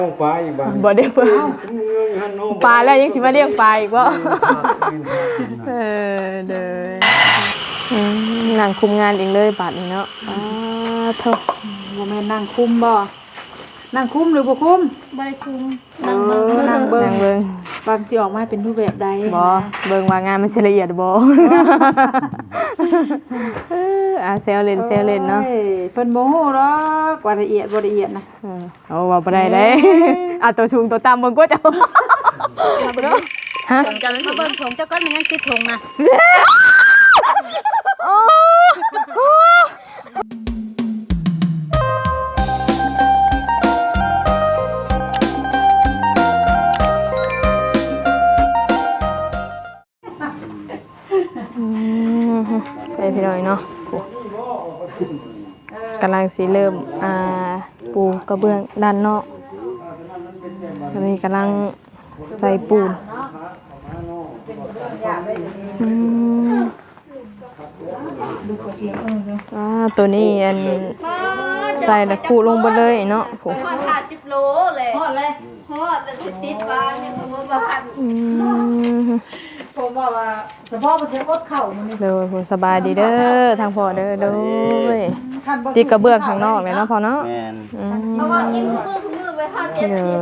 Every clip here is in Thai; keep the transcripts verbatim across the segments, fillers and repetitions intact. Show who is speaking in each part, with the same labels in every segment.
Speaker 1: ปลาอีกบ้าง
Speaker 2: บ่เลี้ยงปลาปลาแล้วยังสิมาเลี้ยงปลาอีกบ่เออเด้อนั่งคุมงานเองเลยบาดนี้เนาะอ้าเท่า
Speaker 3: บ่แม่นนั่งคุมบ่นั่งคุมหรือบ่คุม
Speaker 4: บ่ได้คุม
Speaker 3: นั่งเบิ่งนั่งเบิ่ง
Speaker 2: นั่งเบิ่ง
Speaker 3: บางสิออกมาเป็นรูปแบบใด
Speaker 2: บ่เบิ่งว่างานมันสิละเอียดบ่เอออาเซลเล่นเซลเล่นเนาะ
Speaker 3: เพิ่นบ่ฮู้หรอกว่าละเอียดบ่ละเอียดนะ
Speaker 2: เออเอาว่าบ่ได้เด้อ่ะตัวสูงตัวต่ำเบิ่งกว่าเจ้าฮะ
Speaker 4: จะเป็นเบิ่งของเจ้าก้อนมันยังติดถุงนะ
Speaker 2: โอ้โหไปพี่น้อยเนาะกำลังสิเริ่มอ่าปูกระเบื้องด้านนอกตอนนี้กำลังใส่ปูนอืมอ่าตัวนี้อันใส่แล้วคูลงไปเลยเนาะผม
Speaker 4: ฮอดห้าสิบโลเลยฮอดเลยฮอดแล้วติดบ้านยังบ่บ่ทัน
Speaker 2: อืม
Speaker 3: ผมบอกว่าเฉพาะประเทศอดเข่ามันนี่
Speaker 2: เด้อผมสบายดีเด้อทางพ่อเด้อเด้อจิกกระเบื้องข้างนอกเลยเนาะพ่อเนาะอืม
Speaker 4: เพราะว่ากินมื้อมื้อไปห้าเจ็ดสิบ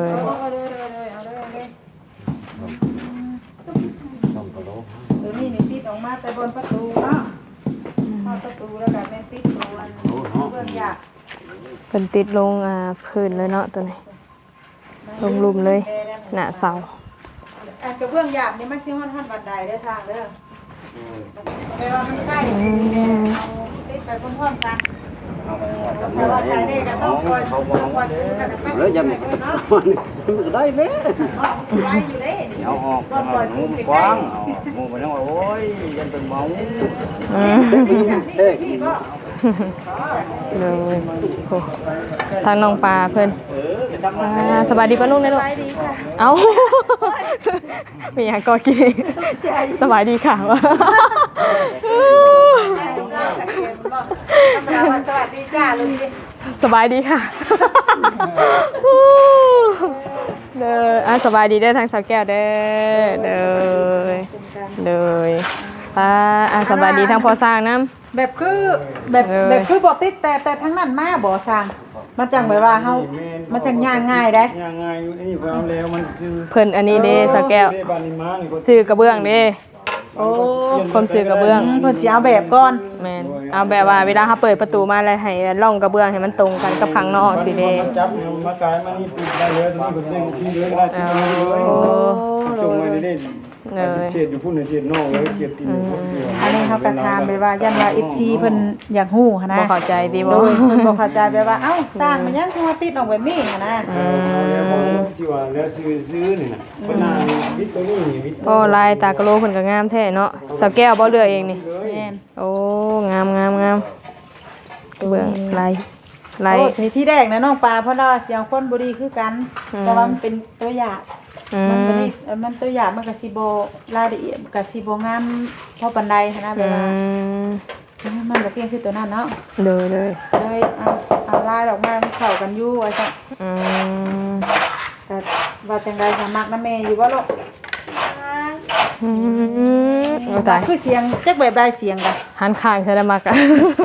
Speaker 3: เดี๋ยวนี้นี่ติดออกมาแต่บนประตูเนาะประตูแล้วก็แม่ติดตัวเบื้องยาก
Speaker 2: เพิ่นติดลงอ่าพื้นเลยเนาะตัวนี้ลงลุมเลยหน้าเสา
Speaker 3: อันกระเบื้องหยาบนี่มันสิฮอดทันบันไดได้ทางเด้อแปลว่ามันใกล้เอาติดไปพร้อมๆกันแต่ว่าใจเด็กก็ต้องคอยคอย
Speaker 1: แล้วยังมันได้ไหม
Speaker 3: ไล่อยู่เด้
Speaker 1: เอาออกงูกว้างงูมันว่าโอ้ยยันเป็นเมา
Speaker 2: เลยทางน้องปลาเพิ่นสบายดีป่ะลูกเนี่ยลูกเอ้ามีอย่างก็กินสบายดีค่ะวะ
Speaker 3: สวัสดีจ้าลุง
Speaker 2: สบายดีค่ะเด้ออ่ะสบายดีเด้อทางสาวแก้วเด้อเด้อเด้อป้าอ่ะสบายดีทางพอสร้างน้ำ
Speaker 3: แบบคือแบบแบบคือบ่ติดแต่แต่ทั้งนั้นมาบ่สร้างมันจังแบบว่าเฮามันจังย่างง่ายได้
Speaker 1: ย่างง่ายอยู่นี่เพิ่นเอาแล้วมันซื้อ
Speaker 2: เพิ่นอันนี้เด้สาวแก้วซื้อกระเบื้องเด้
Speaker 3: โอ้
Speaker 2: คนซื้อกระเบื้อง
Speaker 3: เพิ่นสิเอาแบบก่อน
Speaker 2: แม่นเอาแบบว่าเวลาเฮาเปิดประตูมาแล้วให้ร่องกระเบื้องให้มันตรงกันกับข้างนอกสิเด้
Speaker 1: จับมากายมานี่ปิดได้เลยตรงนี้เพิ่นเด้งที่เลยได้ที่เลยจงไว้ได้เสียดอยู่พุ่นเสียดนอกเลยเสียดตีน
Speaker 3: อันนี้เฮาก็ถามไปว่ายันว่า เอฟ ซี เพิ่นอยากฮู้หั่นนะ
Speaker 2: บ่เข้าใจติบ่
Speaker 3: เพิ่นบ่เข้าใจแบบว่าเอ้าสร้างมันยังคือว่าติดออกแบบนี้หั่นนะ
Speaker 1: อืมที่ว่าแล้วซื้อๆนี่น่ะเพิ่นน่ะวิตตัวนี้วิต
Speaker 2: โอ้ลายตากะโลเพิ่นก็งามแท้เนาะสาวแก้วบ่เลือกเองนี่
Speaker 3: แม่น
Speaker 2: โอ้งามงามงามเบื้องลายลาย
Speaker 3: โอ้ที่แรกนะน้องปลาเพราะว่าเสียงคนบ่ดีคือกันแต่ว่ามันเป็นตัวอย่างมันตัวนี้มันตัวอย่างมันก็สิบ่รายละเอียดก็สิบ่งามเท่าปานใดนะเวลามันบ่เก่งคือตัวนั้นเนาะ
Speaker 2: เลยเลย
Speaker 3: เลยเอาเอาลายออกมามันเข้ากันอยู่ว่าซั่น
Speaker 2: อืม
Speaker 3: แต่ว่าจังได๋ก็มักนำแม่อยู่บ่ลูก
Speaker 2: อืมโอ้ตาย
Speaker 3: คือเสียงจักแบบใดเสียงกัน
Speaker 2: หันข้างเธอได้มักอ่ะ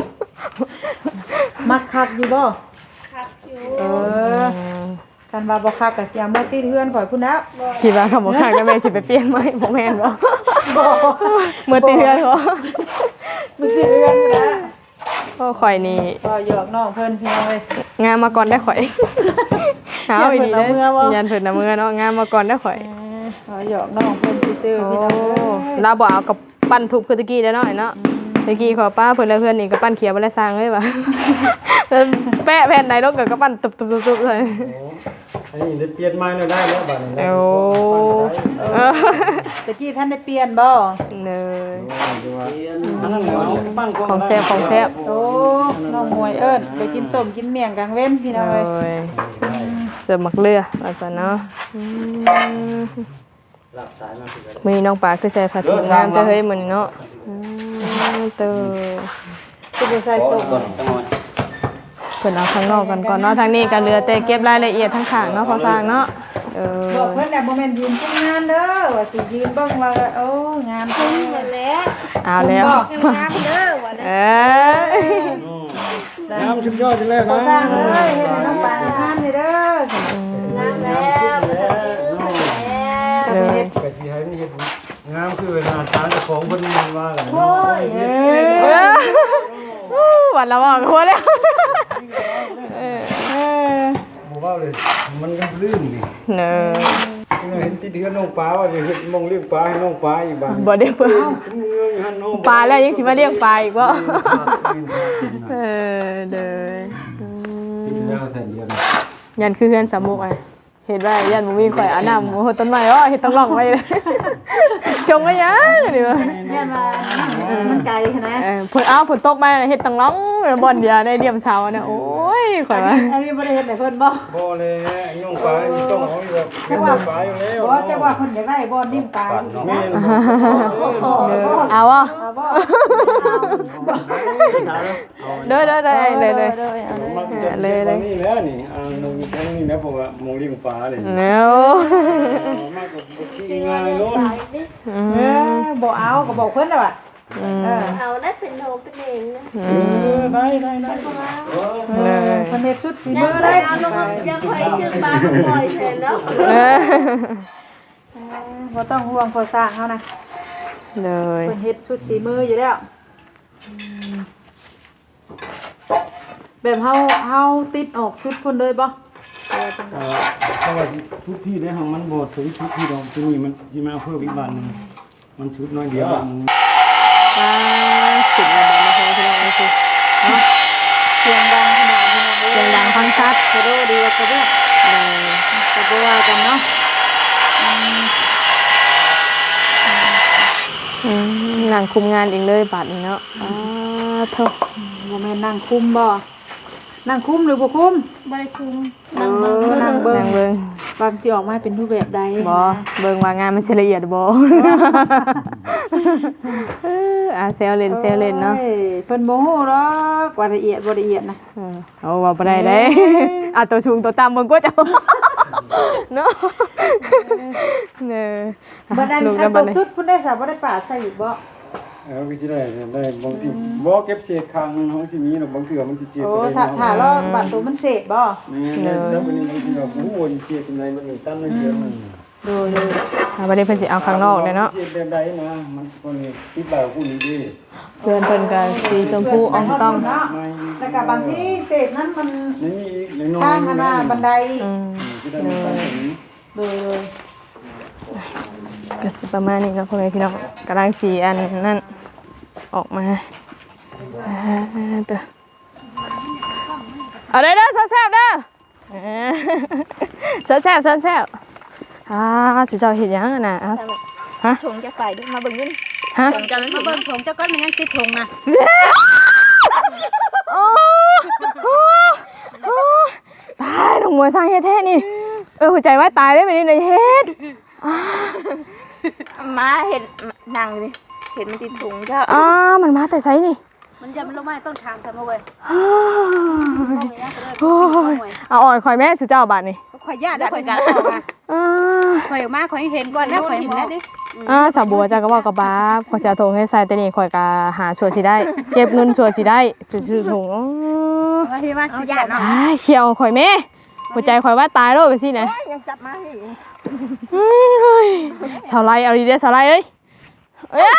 Speaker 3: มักคักอยู่บ่
Speaker 4: คักอยู่
Speaker 3: เออกันว่าบ่คักก็เสียงเมื่อติดเฮือนข่อยพุ่นแล้ว
Speaker 2: คิดว่าคำบ่คักแล้วแม่สิไปเปลี่ยนไหมบ่แม่นบ่บ่เมื่อติดเฮือนบ่
Speaker 3: มื้อติดเฮือนพุ่นแล้ว
Speaker 2: ก็ข่อยนี่
Speaker 3: ก็หยอกน้องเพิ่นพี่น้องเอ้ย
Speaker 2: งานมาก่อนได้ข่อยเอาอีดีเด้ยันเพิ่นน่ะมื้อเนาะงานมาก่อนได้ข่อย
Speaker 3: ก็หยอกน้องเพิ่นซื่อๆพี่น้องเอ้
Speaker 2: ยลาบ่เอากับปั้นทุบคือตะกี้ได้เนาะเนาะตะกี้ขอป้าเพิ่นแล้วเพิ่นนี่ก็ปั้นเขียวบ่ได้สร้างเลยว่ะแปะแผ่นไหนลงก็ปั้นตุบๆๆเลย
Speaker 1: อันนี้ได้เปลี่ยนไม้แล้วได้แล้วบัดนี้
Speaker 2: โอ้
Speaker 3: ตะกี้ท่านได้เปลี่ยนบ่
Speaker 2: เลย
Speaker 1: ของ
Speaker 2: แซ่บของแซ่บ
Speaker 3: โอ้น้องมวยเอิ้นไปกินส้มกินเมี่ยงกลางเว้นพี่น้องเอ้ย
Speaker 2: เสิร์ฟมักเลือว่าซั่นเนาะมื้อนี้น้องปลาคือใส่ผ้าถุงงามแต่เฮ้ยมื้อนี้เนาะอืมเตอ
Speaker 3: คือบ่ใส่ส้ม
Speaker 2: พิ่นเอาข้างนอกกันก่อนเนาะทางนี้ก็เหลือแต่เก็บรายละเอียดทั้งข้างเนาะพอสร้างเนาะเออ
Speaker 3: บอกเพิ่นน่ะบ่แม่นยืนทำงานเด้อว่าสิยืนเบิ่งว่าโอ้งามจัง
Speaker 4: หมดแล้ว
Speaker 2: เอาแล้ว
Speaker 4: งามเด้อว่า
Speaker 2: เอ
Speaker 4: แล้ว
Speaker 2: อ
Speaker 1: น้ำชุดยอดเลย
Speaker 3: พอ
Speaker 1: นะ
Speaker 3: สร้างเอ้ยเฮ็ดให้น้องปลางานนี่เด้อง
Speaker 4: ามแล้วแล้ว
Speaker 3: ก็ไปเฮ็ด
Speaker 1: กะสิให้มันเฮ็ดงามคือเวลาทานของเพิ่นว่ากัน
Speaker 4: โอ้ย
Speaker 3: เอ
Speaker 2: เอ
Speaker 3: อ
Speaker 2: อวันละบอกหัวแล้วเออ
Speaker 3: เออ
Speaker 1: บ่ว่าเลยมันก็ลื่นนี่
Speaker 2: เนอะ
Speaker 1: เห็นติดเฮือนน้องปลาว่าสิเฮ็ดมองเลี้ยงปลาให้น้องปลาอีกบ้าง
Speaker 2: บ่ได้เพิ่น
Speaker 1: เงืออยู่หั่นน้อง
Speaker 2: ปลาแล้วยังสิมาเลี้ยงปลาอีกบ่เออเด้ออืม
Speaker 1: ติดแล้วแต่เดียว
Speaker 2: ยันคือเฮือนสามมุกอ่ะเห็นว่ายันบ่มีข่อยเอาน้ำโอ้โหต้นไม้อ้อเฮ็ดต้องร่องไว้เลยจงไว้ยังนี่ว่า
Speaker 3: เนี่ยมามันไกลนะ
Speaker 2: เออเพิ่นเอาฝนตกมาเฮ็ดต้องร่องบ่อนเดียวในเดียมเช้านะโอ้ยข่อยว่า
Speaker 3: อันนี้บ่ได้เฮ็ดให้เพิ่นบ่
Speaker 1: บ่เลยน้องปลาต้องเอาแบบเป็นปลาอยู่แล้ว
Speaker 3: บ่จักว่าเพิ่นอยากได้บ่นิ่มตาย
Speaker 1: แม่
Speaker 2: เอาบ่
Speaker 3: เอาบ่
Speaker 2: เด้อเด้อได้เลยเลย
Speaker 1: มันจะเลยเลยนี่แล้วนี่อ่าน้องมีแค่นี้นะเพราะว่ามองเลี้ยงปลาเลย
Speaker 2: เนาะ
Speaker 1: มากกว่าที่งานโน้น
Speaker 3: เออบ่เอาก็บอกเพิ่นแล้วว่าเออ
Speaker 4: เอาได้เป็นโนเป็นเองนะ
Speaker 1: ได้ได้ได้
Speaker 2: เลย
Speaker 3: เพิ่นเฮ็ดชุดสี
Speaker 4: ยั
Speaker 3: มื
Speaker 4: ง
Speaker 3: อ
Speaker 4: เค
Speaker 3: ได้
Speaker 4: ยเอาลงยังเคยชื่อปลาปล่อยแทนเนาะ
Speaker 2: เออ
Speaker 3: บ่ต้องห่วงพอสร้างเฮานะ
Speaker 2: เลย
Speaker 3: เพิ่นเฮ็ดชุดสีมืออยู่แล้วแบบเฮาเฮาติดออกชุดเพิ่นเลยบ่
Speaker 1: เพราะว่าชุดพี่ได้ของมันบดถึงชุดพี่เราที่นี่มันจะมาเพิ่มอีกวันนึงมันชุดน้อยเดียว
Speaker 2: ปลาสิบระบาดมาพอที่เราเอาสิเนาะ
Speaker 3: เสียงดังขนาดนี้นะ
Speaker 2: เสียงดังฟังชัด
Speaker 3: กระโดดดีกว่ากระโดด
Speaker 2: เลย
Speaker 3: ก็บ่ว่ากันเนาะ
Speaker 2: อืมนั่งคุมงานเองเลยบาดนี้เนาะอ้าโธ่
Speaker 3: บ่แม่นนั่งคุมบ่นั่งคุมหรือบ่คุม
Speaker 4: บริคุม
Speaker 3: นั่งเบิ่งนั่งเบิ่ง
Speaker 2: นั่งเบิ่ง
Speaker 3: บางสิออกมาเป็นรูปแบบใด
Speaker 2: บ่เบิ่งว่างานมันสิละเอียดบ่เอออ่ะเซลเล่นเซลเล่นเนาะ
Speaker 3: โอ้ยเพิ่นบ่ฮู้หรอกว่าละเอียดบ่ละเอียดนะ
Speaker 2: เออเอาว่าบ่ได้เด้อ่ะตัวสูงตัวต่ำเบิ่งกว่าเจ้าเนาะเด้อ
Speaker 3: บ่ได้
Speaker 2: ลูก
Speaker 3: อั
Speaker 2: กัน
Speaker 3: น
Speaker 2: บั
Speaker 3: ตั
Speaker 2: ด
Speaker 3: ว
Speaker 2: นี้
Speaker 3: สุดเพิ่นได้สาบ่ได้ปาดใส่อีกบ่
Speaker 1: เออก็จะได้ได้บางทีบ่เก็บเศษคางมันของสิมีหรอกบางเทื่อมันสิเสีย
Speaker 3: โอ้
Speaker 1: ไป
Speaker 3: ถ้าถ้าเราบาดตัวมันเสพบ่
Speaker 1: นี่แล้วมันบางทีแบบโอ้โหเสียเป็นไรมันตั้งเยอะมัน
Speaker 3: ดูดู
Speaker 2: อ่ะบ่ได้เพิ่นสิเอาข้างนอกเลยเนาะ
Speaker 1: เสียแบบใดนะมันคนนี้ติดบ่าวผู้นี้ดิ
Speaker 2: เพื่อนเพิ่นก็สีชมพูอ่องต้อง
Speaker 3: เนาะแล้วก็บางทีเศษนั้นมัน
Speaker 1: นี่มีอีกน้อย
Speaker 3: ข้างกันว่าบันได
Speaker 2: อืม
Speaker 1: ที่ได้มันตั้งอย่างนี้
Speaker 3: ดูดู
Speaker 2: ก็สิประมาณนี้เนาะพ่อแม่พี่น้องกำลังสีอันนั่นออกมาอ่าเด้อเอาเด้อเด้อแซ่บๆเด้ออ่าแซ่บๆแซ่บๆอ่าสิเจ้าเฮ็ดหยังอะน่ะอ่ะฮะ
Speaker 4: ถุงจะใส่ด้วยมาเบิ่งนี่
Speaker 2: ฮะ
Speaker 4: ถุงจะมาเบิ่งถุงเจ้าก้อนมันยังติดถุงนะ
Speaker 2: โอ้โอ้โอ้ตายน้องมวยสร้างเฮ็ดแท้นี่เออหัวใจว่าตายได้ไหมนี่ในเฮ็ดอ่า
Speaker 4: มาเห็นนางนี่เห็นมันติดถุงเจ้า
Speaker 2: อ่ามันมาแต่ไสนี่
Speaker 4: มันจะมันลงมาต้นทางซะมาเว้ย
Speaker 2: อ้าวโอ้ยเอาอ่อยข่อยแม่สุเจ้าบาดนี่
Speaker 4: ข่อยญาติได้ข่อยกัน
Speaker 2: อ่า
Speaker 4: ข่อยมาข่อยเห็นก่อนแล้วข่อยเห็นแล้วดิ
Speaker 2: อ่าสาวบัวจ้าก็บอกกับบ้าขอยจะเอาถุงให้ใส่แต่นี่ข่อยก็หาชัวร์สิได้ เก็บเงินชัวร์สิได้จะซื้อถุงอ๋อ
Speaker 4: ว่าที่ว่าญาติเนาะ
Speaker 2: อ้ายเขียวข่อยแม่หัวใจข่อยว่าตายแล้วไปสินะ
Speaker 4: ยังจับมาให้
Speaker 2: อืมเฮ้ยสาวไรเอาดีเด้อสาวไรเอ้ยเอ้ย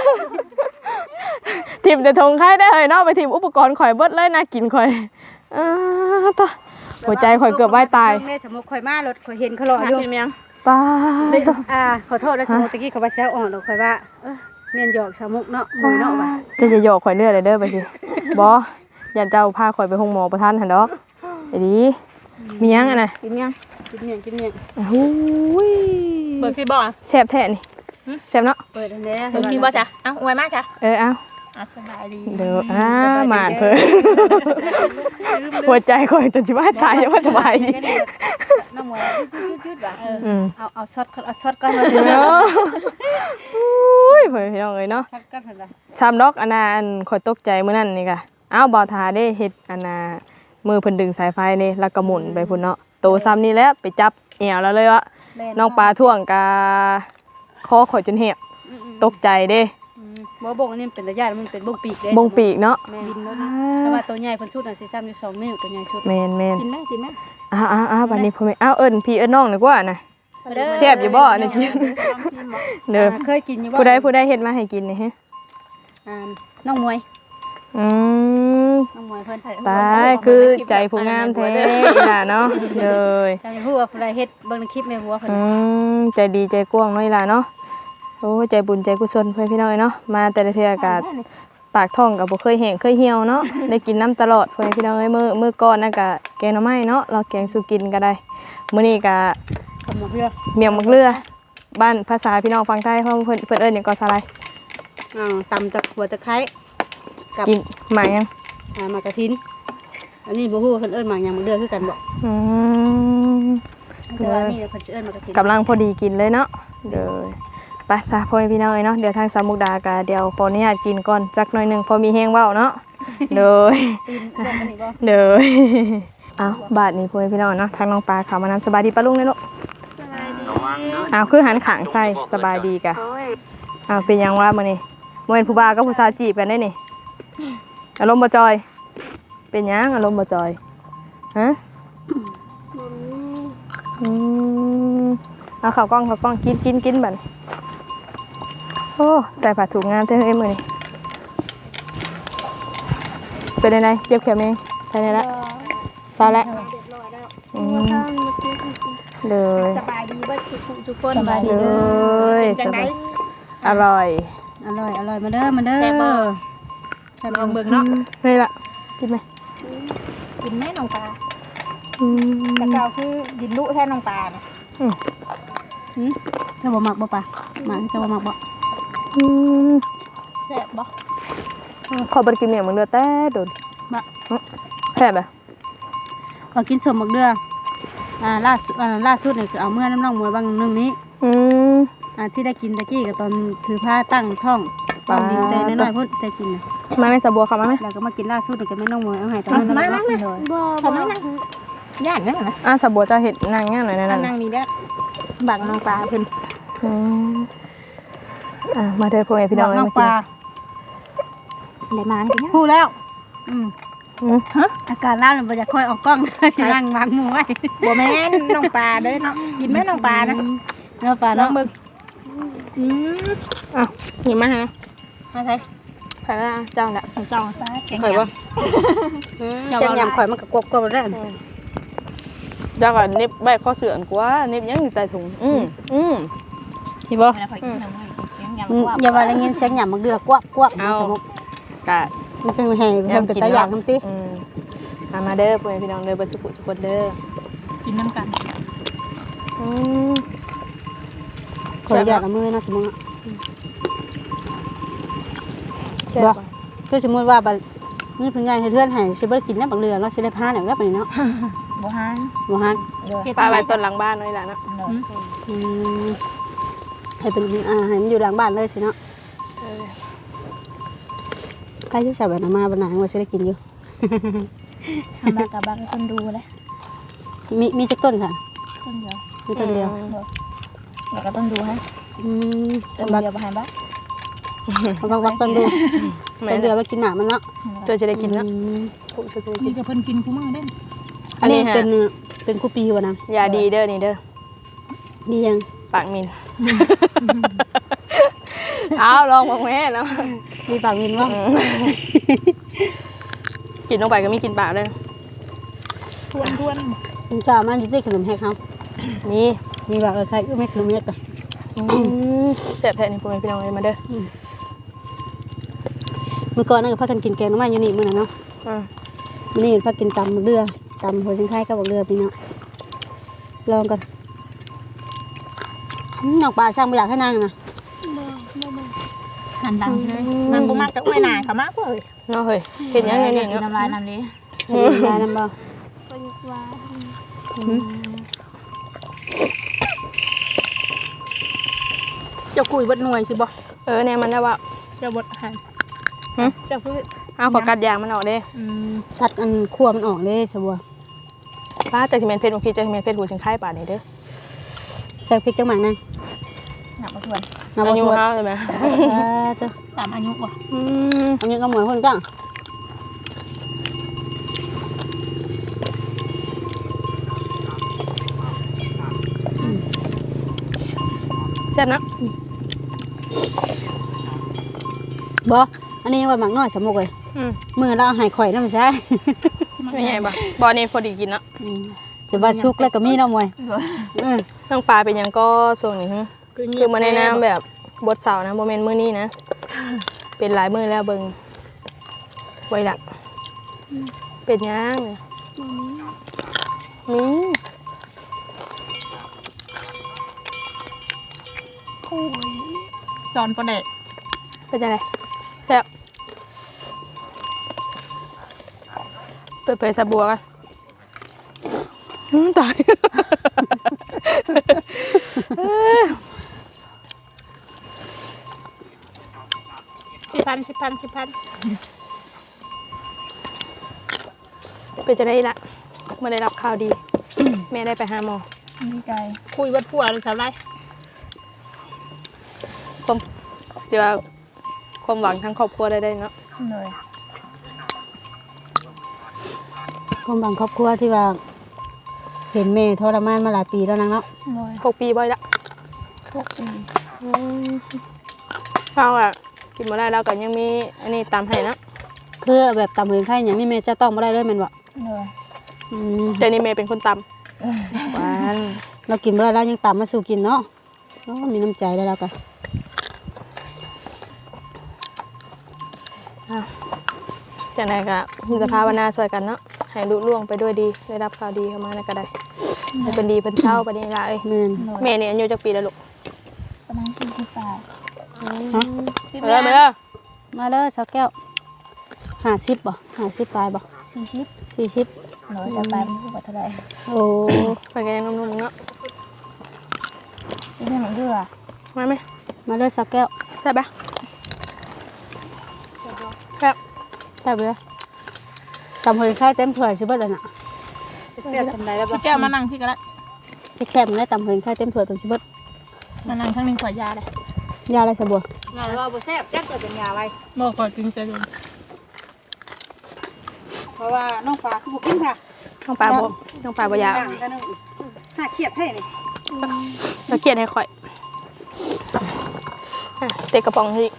Speaker 2: ทีมแต่ถุงใครได้เฮ้ยเนอกไปทีมอุปกรณ์ข่อยเบิดเลยน่ากินข่อยอ่าต่อหัวใจข่อยเกือบว่ายตาย
Speaker 5: เนี่ยสมมุติข่อยมารถข่อยเห็นเขารออยู่
Speaker 2: ป้าต่อ
Speaker 5: อ่าขอโทษแล้วสมมุติตะกี้เขาว่าแซวอ่อนดอกข่อยว่าเอ้อแม่นหยอกสาวมุกเนาะหมวยเนาะว่า
Speaker 2: จะจะโยกข่อยเลือดเลยเด้อไปสิบอยันเจ้าพาข่อยไปห้องหมอประทันหันดอกไอ้ดีมียังอ่ะนะ
Speaker 5: กินยังกินเนี่ยกินเนี่ย
Speaker 2: โอ้ย
Speaker 4: เบิ่งที่บ่
Speaker 2: แซ่บแท้นี่แซ่บเนาะ
Speaker 5: เปิดอันนี้
Speaker 4: เบิ่งที่บ่จ้ะเอ้าอวยมากจ้ะ
Speaker 2: เออเอา
Speaker 4: อ่ะสบายดี
Speaker 2: เดี๋ยวอ่าหมานเพิ่นหัวใจข่อยจนสิว่าตายยังว่าสบายดี
Speaker 5: น้องหมวยยืดๆๆว่าเออ
Speaker 2: อืม
Speaker 5: เอาเอาช็อตเอาช็อตก่อนมา
Speaker 2: เนาะอุ้ยเพิ่นพี่น้องเอ้ยเนาะ
Speaker 5: ช็อตก่อนเพิ่นว่า
Speaker 2: ชามดอกอันน่ะอันข่อยตกใจมื้อนั้นนี่ก็อ้าวบ่าวทาได้เฮ็ดอันน่ะมือเพิ่นดึงสายไฟนี่แล้วก็หมุนไปพุ่นเนาะโตซ้ำนี่แหละไปจับเอวแล้วเลยว่าน้องปลาท่วงกาคอข่อยจนเหี่ยตกใจเด้
Speaker 5: บ่บงอันนี้เป็นระยะมันเป็นบงปีกเด้
Speaker 2: บงปีกเนาะ
Speaker 5: แม่บินแล้วแต่ว่าตัวใหญ่เพิ่นชุดน่ะสิซ้ำอยู่สองนิ้วตัวใหญ่ชุด
Speaker 2: แม่นแม่น
Speaker 5: กินไหมกินไหม
Speaker 2: อ้าวอ้าวอ้าวบัดนี้พ่อแม่อ้าวเอิ้นพี่เอิ้นน้องดีกว่านะแซ่บอยู่บ่นี่กินเด้อ
Speaker 5: เคยกินอยู่บ่
Speaker 2: ผู้ใดผู้ใดเฮ็ดมาให้กินนี่ฮะ
Speaker 5: อ่าน้องมวย
Speaker 2: อืม
Speaker 5: น้องมวยเพิ่น
Speaker 2: ตายคือใจผู้งามแท้ล่ะเนาะเลย
Speaker 5: จำฮู้ว่าผู้ใดเฮ็ดเบิ่งในคลิปแม่บัวเพิ่น
Speaker 2: อืมใจดีใจกว้างเนาะล่ะเนาะโอ้ใจบุญใจกุศลเพื่อนพี่น้อยเนาะมาแต่ละเทื่ออากาศปากท้องก็บ่เคยแห้งเคยเหี่ยวเนาะได้กินน้ำตลอดเพื่อนพี่น้อยมื้อมื้อก่อนน่ะก็แกงหน่อไม้เนาะเราแกงสู่กินก็ได้มื้อนี้ก็
Speaker 5: กับหมูเรือ
Speaker 2: เมี่ยงมักเรือบ้านภาษาพี่น้องฟังใต้เพิ่นเพิ่นเพิ่นเอิ้นหยังก็สาลาย
Speaker 5: อ่าตำตะหัวตะไคร้กับ
Speaker 2: กินหมากยัง
Speaker 5: อ่ามากระทินอันนี้บ่ฮู้ว่าเพิ่นเอิ้นหมากหยังหมูเรือคือกันบ่
Speaker 2: อืม
Speaker 5: แต่ว่านี่เพิ่นจะเอิ้นหมากระทิน
Speaker 2: กำลังพอดีกินเลยเนาะเด้อไปซะพ่อแม่พี่น้องเอ้ยเนาะเดี๋ยวทางสามมุกดาก็เดี๋ยวขออนุญาตกินก่อนจักหน่อยหนึงพอมีแฮงเว้าเนาะเด้อ
Speaker 5: ตีนเพิ่นอันนี้บ่
Speaker 2: เด้อเอาบาทนี้พ่อแม่พี่น้องเนาะทางน้องปลาเขามานำสบายดีปะลุงเลยลูกอ้าวคือหันขางใส่สบายดีกะอ้าวเป็นยังว่ามื้อนี้บ่แม่นผู้บ่าวกับผู้สาวจีบกันได้นี่อารมณ์บ่จอย เป็นยังอารมณ์บ่จอยฮะอืมเอาข้าวกล้องข้าวกล้องกินกินกินบัดโอ้ใส่ผ้าถุงงามแท้เฮ้ยมื้อนี้เป็นไงเจ็บแขนมั้ยใช่แล้วเศร้าแล้วอืมเลย
Speaker 5: สบายดีเบิดทุกทุกคน
Speaker 2: สบายดีเลยสบายอร่อย
Speaker 5: อร่อยอร่อยมาเด้อมาเด้อ
Speaker 3: แซ่บบ่
Speaker 5: แซ่บลองเบิ่งเนาะ
Speaker 2: นี่ละกินไหม
Speaker 3: กินแม่น้องปลา
Speaker 2: อืม
Speaker 3: แต่เก่าคือดินลุแท้น้องปลาน่ะ
Speaker 2: อืม
Speaker 5: หืมเจ้าบ่มักบ่ปะหมาเจ้าบ่มักบ่
Speaker 2: อืม
Speaker 3: แซ่บบ่
Speaker 2: ขอบริกินเหนียวมันเดือแต่โดน
Speaker 5: บ่
Speaker 2: แค่แบบ
Speaker 5: พอกินสมบักเดืออ่าล่าสุดอ่าล่าสุดนี่คือเอาเมื่อน้ำน้องมวยบางนึงนี้
Speaker 2: อืม
Speaker 5: อ่าที่ได้กินตะกี้ก็ตอนถือผ้าตั้งท้องตอนดิวใจน้อยๆพุ่นได้กินน่ะ
Speaker 2: มาไม่สะบัวเขามาไหม
Speaker 5: แล้วก็มากินล่าสุดนี่ก็ไม่น้องมวยเอาให้ตอนนั้นน้องมวยเลย
Speaker 4: บ่
Speaker 3: ทำไมนั่งย่านนั่นน่ะ
Speaker 2: อ่ะสะบัวจะเห็ดนางง่ายหน่อยนั่น
Speaker 3: นั่
Speaker 2: น่ะ
Speaker 3: งนี่เด้อบักน้องปลาเพิ่น
Speaker 2: อืมอ่ะมาเถอะพ่อแม่พี่น้อง
Speaker 3: บัก
Speaker 2: เอ้ย
Speaker 3: น้อง
Speaker 2: มา
Speaker 3: ป
Speaker 2: กิน
Speaker 3: ลาได้มากินฮู้แล้ว
Speaker 5: อืม
Speaker 2: อืม
Speaker 5: อาการล่าเลยบ่จะค่อยออกกล้อง สินั่งวางมือไว้
Speaker 3: บ่แม่นน้องปลาเด้อเนาะกินแม่น้องปลานะ
Speaker 5: เนาะป่า
Speaker 3: น้อ
Speaker 5: เนาะ
Speaker 3: งมึกอืม
Speaker 2: อ่ะหยิบมาฮะ
Speaker 5: มาใส่
Speaker 2: ใครละเจ้าละ
Speaker 3: จ้องปลาแข็ง
Speaker 5: ข่อยบ่เส้นยำข่อยมันก็กบๆแล้ว
Speaker 2: เจ้าก็นิบใบข้อเสื่อนกว่านิบยังอยู่ใต้ถุงอืมอืมนี่บ่
Speaker 3: แล้วข่อยกินน้ำมันแข็ง
Speaker 5: อืม
Speaker 3: ยำกว่า
Speaker 5: อย่าว่าได้ยินเสียงหยำมักเดือกวบกวบ
Speaker 2: เอากะ
Speaker 5: มันจะแห่เพิ่นเป็นตาอยากน้ำติ
Speaker 2: อืมมามาเด้อพ่อแม่พี่น้องเด้อเบ่สุขสุขเด้อ
Speaker 3: กินน้ำกัน
Speaker 2: อืม
Speaker 5: ขออนุญาตเอามือนะสมมุติ
Speaker 2: แซ่บ
Speaker 5: บ่
Speaker 2: บ่
Speaker 5: คือสมมุติว่าบัดนี่เพิ่นย้ายให้เพื่อนให้สิบ่ได้กินน้ำบักเรือเนาะสิได้พาแล้วแล้วไปเนาะ
Speaker 3: บ่ฮัน
Speaker 5: บ่ฮัน
Speaker 2: ปลาไว้ต้นหลังบ้านน้อยล่ะเนาะ
Speaker 5: อืมให้เป็นอ่าให้มันอยู่หลังบ้านเลยสิเนาะใครอยู่ใส่บัดมาบัดหนังว่าสิได้กินอยู่
Speaker 3: ทำมากับบางคนดูเลย
Speaker 5: มีมีจักต้นค่ะ
Speaker 3: ต้นเดียว
Speaker 5: มีต้นเดียว
Speaker 3: แล้วก็ต้นดูให้
Speaker 5: อืม
Speaker 3: ต้น
Speaker 5: บัก
Speaker 3: เดียวบ่ให้บัก
Speaker 5: บักบักต้นดูต้นเดียวไว้กินหมากมันเนาะ
Speaker 2: เจอจะได้กินเนาะ
Speaker 5: อืม
Speaker 3: นี่ก็เพิ่นกินคู่มื้อเด้
Speaker 5: อันนี้
Speaker 2: อันนี้ฮะ
Speaker 5: เป็นเป็นกูปีวะนะ
Speaker 2: ยาดีเด้อนี่เด้อ
Speaker 5: ดียัง
Speaker 2: ปากมิน เอาลองมองแม่เนาะ
Speaker 5: มีปากวินว่า
Speaker 2: กินลงไปก็มีกินปากเลย
Speaker 3: ทวนทวน
Speaker 5: คุณจ่ามันอยู่ที่ขนมแฮกเขา
Speaker 2: มี
Speaker 5: มีปากใครก็ไม่ขนมเม็ดอ่ะ
Speaker 2: แซ่บแท้นี่พ่อแม่พี่น้องเลยมาเด้อ
Speaker 5: เมื่อก่อนนั่นก็พากันกินแกงน้ำมันอยู่นี่มื้อนั้นเนาะ
Speaker 2: อ่า
Speaker 5: มื้อนี้พากินตำบักเรือตำหัวชิงไข่กับบักเรือพี่เนาะลองก่อนอืมน้องปลาช่างไม่อยากให้นั่งนะ
Speaker 3: หันหลังเลยมันบ่มักจะอ้วยหน้าเขามากเว้ย
Speaker 2: เนาะเฮ้ยเห็นยังไงนี่
Speaker 3: กิน
Speaker 2: เนาะ
Speaker 3: น้ำลายน้ำเลย
Speaker 5: เห็นยายน้ำบ่
Speaker 3: จะคุยเบิดหน่วยสิบ่
Speaker 2: เออเนี่ยมันได้ว่า
Speaker 3: จะเบิดให้จะพูด
Speaker 2: เอาขอกัดยางมันออกเด้
Speaker 5: ตัดอันคั่วมันออกเด้สบัว
Speaker 2: ป้าจากที่เมนเพชรบางทีจากที่เมนเพชรหูชิงไข่ป่านี่เด้อ
Speaker 5: ใส่พริกจังหมักนั่น
Speaker 3: หนักมาทวน
Speaker 5: น้ำ
Speaker 2: อา
Speaker 5: มัน
Speaker 2: ยุ
Speaker 5: ทั่ว
Speaker 2: เฮาใช่ไหม
Speaker 5: จ้ะ
Speaker 3: ตามอายุว่ะ
Speaker 2: อืม
Speaker 5: อันนี้ก็เหมือนคนจ้ะ
Speaker 2: แซ่บนะ
Speaker 5: บ่อันนี้ว่าหมักน้อยสมมุกเลย
Speaker 2: อืม
Speaker 5: มือเราเอาให้ข่อยนำใช่
Speaker 2: ไม่ใหญ่บ่บอนี่พอดีกินเนาะ
Speaker 5: แต่ว่าชุกแล้วก็มีเนาะมวยอือ
Speaker 2: น้องปลาเป็นหยังก็ช่วงนี้ฮึคือมาในน้ำแบบบดเสานะโมเมนต์มื้อนี้นะ เป็นหลายมื้อแล้วเบิ่งไว้ละเป็นหยังเนี่ยนี่
Speaker 3: จอนประเดะ
Speaker 2: เป็นจังไดแซ่บเปิดเผยสะบัวกันอืมตาย
Speaker 3: สิบพันสิบพันสิบพัน
Speaker 2: เป็นจะได้ละเมื่อได้รับข่าวดี แม่ได้ไปหาหมอ
Speaker 3: ดีใจคุยวัดผัวหรือสาวไร
Speaker 2: ความเดี๋ยวาความหวังทั้งครอบครัวได้ได้เนาะ
Speaker 3: เลย
Speaker 5: คนบางครอบครัวที่ว่าเห็นแม่ทรมานมาหลายปีแล้วนางเนาะ
Speaker 3: เลย
Speaker 2: หกปีบ่อยละ
Speaker 3: พวกปี
Speaker 2: เราอะกินมาได้แล้วก็ยังมีอันนี้ตามให้เนาะ
Speaker 5: คือแบบตำเห็นไข่อย่างนี้แม่จะต้องบ่ได้เลยแม่นบ่
Speaker 3: เลย
Speaker 5: อืม
Speaker 2: เดี๋ยวนี้เมย์เป็นคนตำหวาน
Speaker 5: เรากินบ่ได้แล้วยังตำมาสู่กินเนาะโอ้มีน้ำใจได้แล้วก็
Speaker 2: จากนั้นก็มีสภาวนาช่วยกันเนาะให้ลุล่วงไปด้วยดีได้รับข่าวดีเข้ามาแล้วก็ได้ให้เป็นดีเป็นเช่าไปนี่ละเอ้ย
Speaker 5: แม่น
Speaker 2: เมย์นี่อายุจักปีแล้วลูก
Speaker 3: ประมาณสี่สิบแปด
Speaker 5: ฮะ
Speaker 2: เออเมย์
Speaker 5: มาเด้อสาวแก้วห้าสิบบ่ห้าสิบปลายบ่
Speaker 3: สี่สิบ
Speaker 5: สี่สิบ
Speaker 3: เลยจะไปมันกว่าเท่าไหร่
Speaker 5: โอ้
Speaker 2: ไปกันยังนุ่มๆเนาะ
Speaker 3: ที่นี่มันเดือ
Speaker 2: มาไหม
Speaker 5: มาเด้อสาวแก้ว
Speaker 2: ได้ปะครับ
Speaker 5: แซ่บเลยตำเห็นไข่เต็มถ้วยสิเบิดแล้วน่ะ
Speaker 3: เสียทำไรแล้วป่ะแก้วมานั่งพี่ก็ได้
Speaker 5: แซ่บๆได้ตำเห็นไข่เต็มถ้วยตรงสิเบิด
Speaker 3: มานั่งทั้งหนึ่งขวดยาเลย
Speaker 5: ยาอะไรสะบัว
Speaker 3: ยาว่าบ่แซ่บแจ๊กเกิดเป็นยาอะไรบ่ขอจริงใจเลยเพราะว่าน้องปลาคือบุกินค่ะ
Speaker 2: น้องปลาบ่น้องปลาบ่อยาก
Speaker 3: กันนึงน่าเครียดแท้นี่
Speaker 2: เราเกลียดให้ข่อยอ่ะเตะกระป๋องที่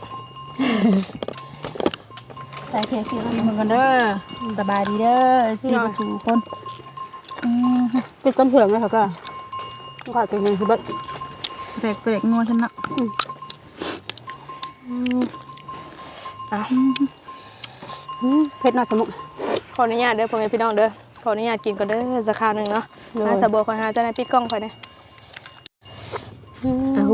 Speaker 3: ไปเคลียร์คิวเหมือนกันเด้อสบายดีเด้อที่มาถูคนอืม
Speaker 5: ติดต้นเผือกเลยเขาก็ก็เป็นยังสิเบิด
Speaker 3: เปรกเปรกงัวฉันนะ
Speaker 2: อ่ะ
Speaker 5: อืมเผ็ดเนาะสมุก
Speaker 2: ขออนุญาตเด้อพ่อแม่พี่น้องเด้อขออนุญาตกินก่อนเด้อสักคราวหนึ่งเนาะ
Speaker 5: เลย
Speaker 2: อาสะบัวคอยหาเจ้าหน้าที่กล้องคอยเนี่ย
Speaker 5: อ้าว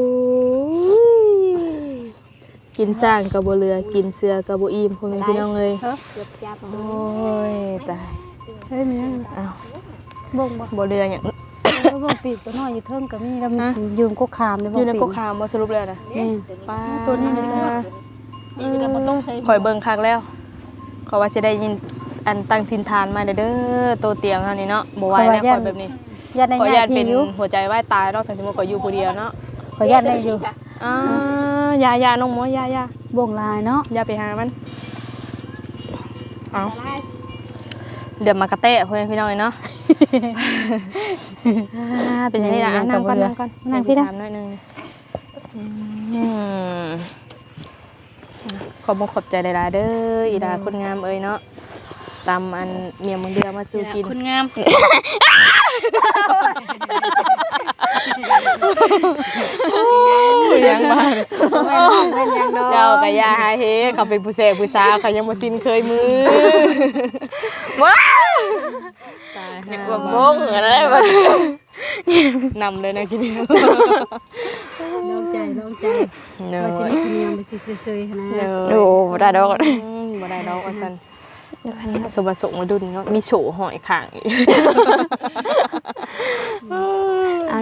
Speaker 2: กินสร้างกับบัวเรือกินเสือกับบัวอิ่มพ่อแม่พี่น้องเลย
Speaker 5: เฮ้ย
Speaker 2: โอ้ยตาย
Speaker 5: เฮ้ยมียัง
Speaker 2: อ้าว
Speaker 5: บ่งบ่
Speaker 2: บัวเรืออย่าง
Speaker 5: บ่งปีกตัวน้อยอยู่เทิงก็มีแล้วมันยืมกกขามเลย
Speaker 2: อ
Speaker 5: บ่ง
Speaker 2: ยู่ใน
Speaker 5: ปี
Speaker 2: กกขามบ่สรุปเลยนะ
Speaker 5: นี่
Speaker 2: ป้า
Speaker 3: ตัวนี้เลยนี่ก็มันต้องใช้
Speaker 2: คอยเบิ่งคักแล้วเขาว่าจะได้ยินอันตั้งทินทานมาเด้อเด้อตัวเตียงเฮานี่เนาะบ่ไหวแล้วคอยแบบนี้
Speaker 5: ญาติใน
Speaker 2: ขออนุ
Speaker 5: ญา
Speaker 2: ญาต
Speaker 5: ติ
Speaker 2: เป็น
Speaker 5: อยู่
Speaker 2: หัวใจวายตายเนาะถึงสมมุติขอยอยู่ผู้เดียวเนาะ
Speaker 5: ขอญาติได้อยู่
Speaker 2: อ่ายายาน้องหมอยายา
Speaker 5: บ่งลายเนาะ
Speaker 2: อย่าไปหามันเอาเดี๋ยวมากระเตะเพื่อนพี่น้อยเนาะ อ่าเป็นยังไงล่ะอ่ะนั่งก่อนนั่งก่อนนั่งพี่ถามหน่อยหนึงอืมขอบคุณขอบใจหลายๆเด้ออีดาคนงามเอ้ยเนาะตำอันเมียมึงเดือมาสู่กิน
Speaker 5: คุณงาม
Speaker 2: ยังบ้าง
Speaker 5: เป็นยังดอก
Speaker 2: เจ้ากับยาหาเฮเขาเป็นผู้เสพผู้สาวเขายังบ่สิ้นเคยมือว้าวตายนึกว่าโม้อะไรบ่นำเลยนะกิน
Speaker 5: ลองใจลองใจ
Speaker 2: เน
Speaker 5: ว่าสิ
Speaker 2: ย
Speaker 5: ได้คุณงามไปซื่อๆนะ
Speaker 2: เนยโอ้บ่ได้ดอกบ่ได้ดอกว่าซั่นสมบัติสงมาดุนเนาะมีโฉหอยข้างอีก
Speaker 5: เอา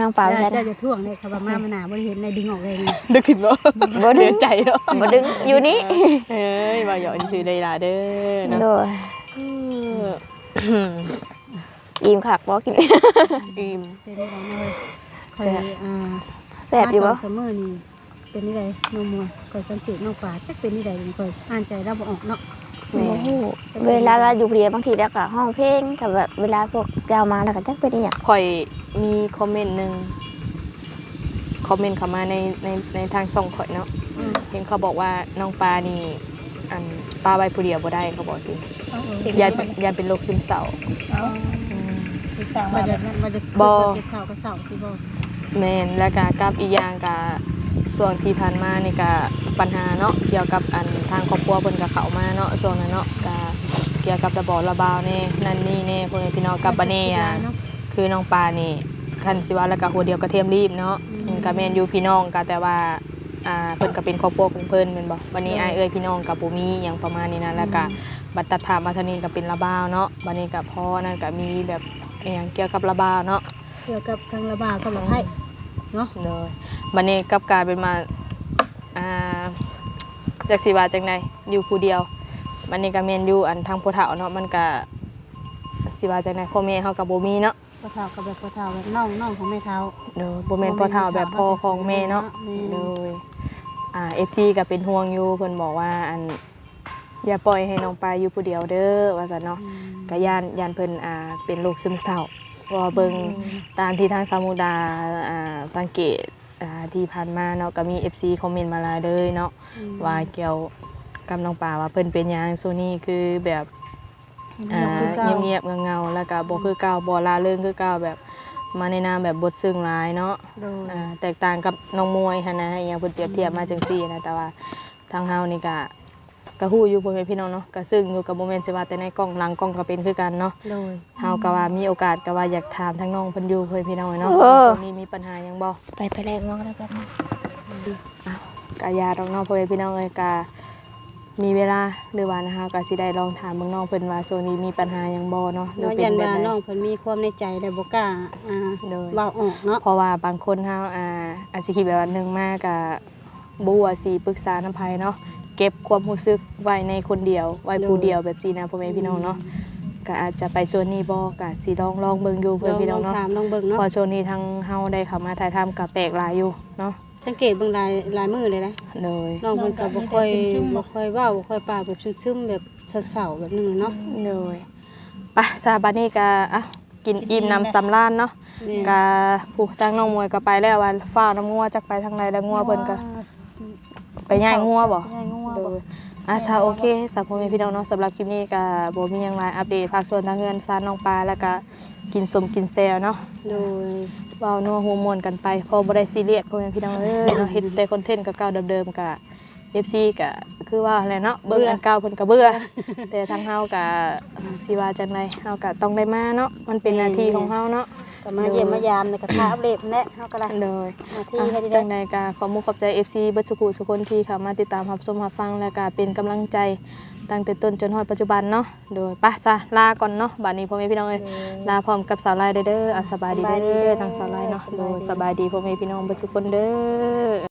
Speaker 6: น้องปลาไปใช่
Speaker 5: เจ้าจะท่วงเลยค่ะว่ามามันหนาบ่ได้เห็นในดึงออกเลยนี่
Speaker 2: ดึกถิ่นบ่
Speaker 6: บ่ดึ
Speaker 2: เดื
Speaker 6: ง
Speaker 2: อใจเนาะ
Speaker 6: บ่ดึงอยู่นี่
Speaker 2: เอ้ยบ่หยอกชื่อได้ล่ะเด้อเนาะ
Speaker 6: โดย
Speaker 2: เออ
Speaker 6: อิ่มคักบ่กิน
Speaker 2: อิ่ม
Speaker 5: เป็นอะไรเลยคอยอ่า
Speaker 6: แซ่บอยู่บ่
Speaker 5: มาสองเสมอนี่เป็นนี่ไดน้องมัวคอยสังเกตน้องปลาจักเป็นนี่ไดคอยอ่านใจเราบ่ออกเนาะ
Speaker 6: โอ้โหเวลาเราอยู่เรียนบางทีแล้วก็ห้องเพลงกับแบบเวลาพวกยาวมาแล้วก็จักเป็นอีหยัง
Speaker 2: ข่อยมีคอมเมนต์หนึงคอมเมนต์เข้ามาในในในทางส่องข่อยเนาะ
Speaker 5: อืม
Speaker 2: เห็นเขาบอกว่าน้องปลานี่อันปลาใบผู้เดียวบ่ได้เขาบอกสิยานยานเป็นโรคซึมเศร้าอืม
Speaker 5: มาจะมาจะ
Speaker 2: บ่
Speaker 5: เก็บเสาก็เสาที่บ่
Speaker 2: แม่นแล้วก็กับอีกอย่างก็ส่วนที่ผ่านมานี่ก็ปัญหาเนาะเกี่ยวกับอันทางครอบครัวเพิ่นก็เข้ามาเนาะช่วงนั้นเนาะก็เกี่ยวกับระบบระบาวแน่นั่นนี่แน่พวกนี้พี่น้องกับบัดนี้อ่ะคือน้องปลานี่คันสิว่าแล้วก็หัวเดียวกระเทียมรีบเนาะอืมก็แม่นอยู่พี่น้องก็แต่ว่าอ่าเพิ่นก็เป็นครอบครัวของเพิ่นแม่นบ่บัดนี้อ้ายเอ้ยพี่น้องก็บ่มีหยังประมาณนี้นะแล้วก็บัดตัดถามมาทางนี้ก็เป็นระบาวเนาะบัดนี้ก็พอนั่นก็มีแบบอหยังเกี่ยวกับระบาวเนาะ
Speaker 5: เกี่ยวกับทางระบาดกับระไทยเนาะ
Speaker 2: เลยบัดนี้กลับกลายเป็นมาอ่าจากสีว่าจังไดอยู่ผู้เดียวบัดนี้ก็แม่นอยู่อันทางผู้เฒ่าเนาะมันก็สิว่าจังไดพ่อแม่เฮาก็บ่มีเนาะ
Speaker 5: พ่อเฒ่ากับแบบพ่อเฒ่าแบบน้องน้องของแม่เฒ่า
Speaker 2: เด้อบ่แม่นพ่อเฒ่าแบบพ่อของแม่เนาะ
Speaker 5: แม่
Speaker 2: เลยอ่า เอฟ ซี ก็เป็นห่วงอยู่เพิ่นบอกว่าอันอย่าปล่อยให้น้องปลาอยู่ผู้เดียวเด้อว่าซั่นเนาะก็ย่านย่านเพิ่นอ่าเป็นโรคซึมเศร้าเพราะว่าเบิ่งตามที่ทางสามุดาอ่าสังเกตอ่าที่ผ่านมาเนาะก็มี เอฟ ซี คอมเมนต์มาหลายเลยเนาะว่าเกี่ยวกับน้องปลาว่าเพิ่นเป็นหยังโซนี่คือแบบอ่าเงียบๆเงาๆแล้วก็บ่คือเก่าบ่ล่าเริงคือเก่าแบบมาในนามแบบบทซึ้งหลายเนาะ
Speaker 5: โดย
Speaker 2: อ่าแตกต่างกับน้องมวยหันนะอหย่างเพิ่นเปรียบเทียบมาจังซี่นะแต่ว่าทางเฮานี่ก็ก็ฮู้อยู่พ่อแม่พี่น้องเนาะก็ซึ่งอยู่กับโมเมนต์สิว่าแต่ในกล้องหลังกล้องก็เป็นคือกันเนาะ
Speaker 5: โดย
Speaker 2: เฮาก็ว่ามีโอกาสก็ว่าอยากถามทางน้องเพิ่นอยู่พ่อแม่พี่น้องเนาะ
Speaker 6: เออ
Speaker 2: ช่วงนี้มีปัญหาหยังบ่
Speaker 6: ไปไปแลกน้องแล้วกัน
Speaker 2: ก็อย่าดอกเนาะพ่อแม่พี่น้องเอ้ยก็มีเวลาหรือว่านะคะก็สิได้ลองถามเบิ่งน้องเพิ่นว่าช่วงนี้มีปัญหาหยังบ่เนาะหรือ
Speaker 5: เนาะ
Speaker 2: เป็
Speaker 5: ยั
Speaker 2: น
Speaker 5: น
Speaker 2: แบบ
Speaker 5: ว่า
Speaker 2: ใด
Speaker 5: น้องเพิ่นมีความในใจแต่บ่กล้าอ่า
Speaker 2: โดย
Speaker 5: เว้าออกเนาะ
Speaker 2: เพราะว่าบางคนเฮาอ่าอาจสิคิดแบบว่าหนึงมากก็บ่ว่าสิปรึกษานำไผเนาะเก็บความรู้สึกไว้ในคนเดียวไว้ผู้เดียวแบบนี้นะพ่อแม่พี่น้องเนาะก็อาจจะไปโซนนี้บ่ก็สิลองลองเบิ่งอยู่เพื่อนพี่น้อง
Speaker 5: ล
Speaker 2: เนาะ
Speaker 5: ถามลองเบิ่งเนาะ
Speaker 2: พอโซนนี้ทางเฮาได้เข้ามาถ่ายทำก็แปลกหลายอยู่เนาะ
Speaker 5: สังเกตเบิ่งลายลายมือเลยนะ
Speaker 2: เลย
Speaker 5: น้องเพิ่นก็บ่ค่อยบ่ค่อยเว้าบ่ค่อยปากแบบซึมๆแบบเศร้าๆแบบนึงเนาะ
Speaker 2: เลยไปซาบานี่ก็อ่ะกินอิ่มน้ำสำราญเนาะ
Speaker 5: แม่
Speaker 2: ก็ผู้ทางน้องมวยก็ไปแล้วว่าฟ้าวน้ำงัวจักไปทางใดแล้วงัวเพิ่นก็ไปย่ายงัวบ่
Speaker 5: ง่ายงัว
Speaker 2: โด
Speaker 5: บ่
Speaker 2: ยอาซาโอเคสำหรับพ่อแม่พี่น้องเนาะสำหรับคลิปนี้ก็บ่มีหยังหลายอัปเดตภาคส่วนทางเงินซานน้องปลาแล้วก็กินสมกินแซวเนาะ
Speaker 5: โดย
Speaker 2: เว้านัวหัวม่วนกันไปพอบ่ได้ซีเรียสพ่อแม่พี่น้องเอ้ยเนาะเฮ็ดแต่คอนเทนต์เก่าๆเดิมๆก็ เอฟ ซี ก็คือว่าแหละเนาะเบิ่งอันเก่าเพิ่นก็เบื่อ แต่ทางเฮาก็สิว่าจังไดเฮาก็ต้องได้มาเนาะมันเป็นหน้าที่ของเฮาเนาะ
Speaker 5: ก็มาเยี่ยมมายามในกระทะอัปเดตแน่เฮาก็ได้
Speaker 2: เลย
Speaker 5: หน้าที่
Speaker 2: อ่ะ
Speaker 5: ให้ได้
Speaker 2: จังใดก็ขอมุกขอบใจ เอฟ ซี เบิดสุขุทุกคนที่เข้ามาติดตามรับชมรับฟังแล้วก็เป็นกำลังใจตั้งแต่ต้นจนฮอดปัจจุบันเนาะโดยไปซะลาก่อนเนาะบัดนี้พ่อแม่พี่น้องเอ้ยลาพร้อมกับสาวลายเด้อเด้ออ่ะสบายดีเด้อทางสาวลายเนาะโดยสบายดีพ่อแม่พี่น้องเบิดทุกคนเด้อ